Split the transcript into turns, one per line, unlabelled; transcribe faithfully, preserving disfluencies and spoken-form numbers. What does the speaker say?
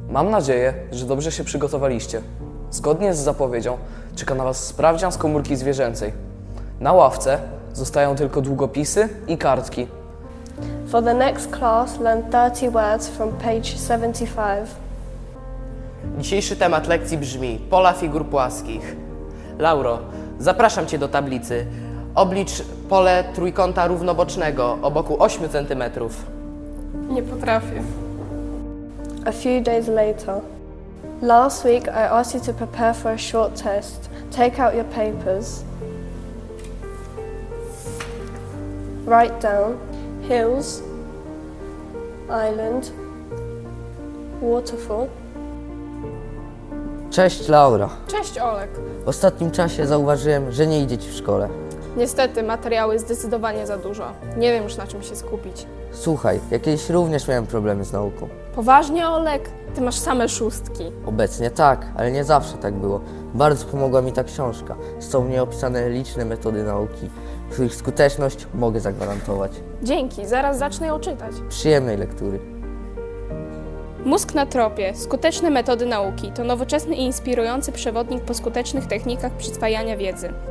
Mam nadzieję, że dobrze się przygotowaliście. Zgodnie z zapowiedzią czeka na Was sprawdzian z komórki zwierzęcej. Na ławce zostają tylko długopisy i kartki.
For the next class, learn thirty words from page seventy-five.
Dzisiejszy temat lekcji brzmi pola figur płaskich. Lauro, zapraszam Cię do tablicy. Oblicz pole trójkąta równobocznego o boku ośmiu centymetrów.
Nie potrafię.
A few days later. Last week I asked you to prepare for a short test. Take out your papers. Write down hills, island, waterfall.
Cześć Laura.
Cześć Olek.
W ostatnim czasie zauważyłem, że nie idzie Ci w szkole.
Niestety materiały zdecydowanie za dużo. Nie wiem już na czym się skupić.
Słuchaj, ja kiedyś również miałem problemy z nauką.
Poważnie Olek? Ty masz same szóstki.
Obecnie tak, ale nie zawsze tak było. Bardzo pomogła mi ta książka. Są w niej opisane liczne metody nauki, których skuteczność mogę zagwarantować.
Dzięki, zaraz zacznę ją czytać.
Przyjemnej lektury.
Mózg na tropie. Skuteczne metody nauki to nowoczesny i inspirujący przewodnik po skutecznych technikach przyswajania wiedzy.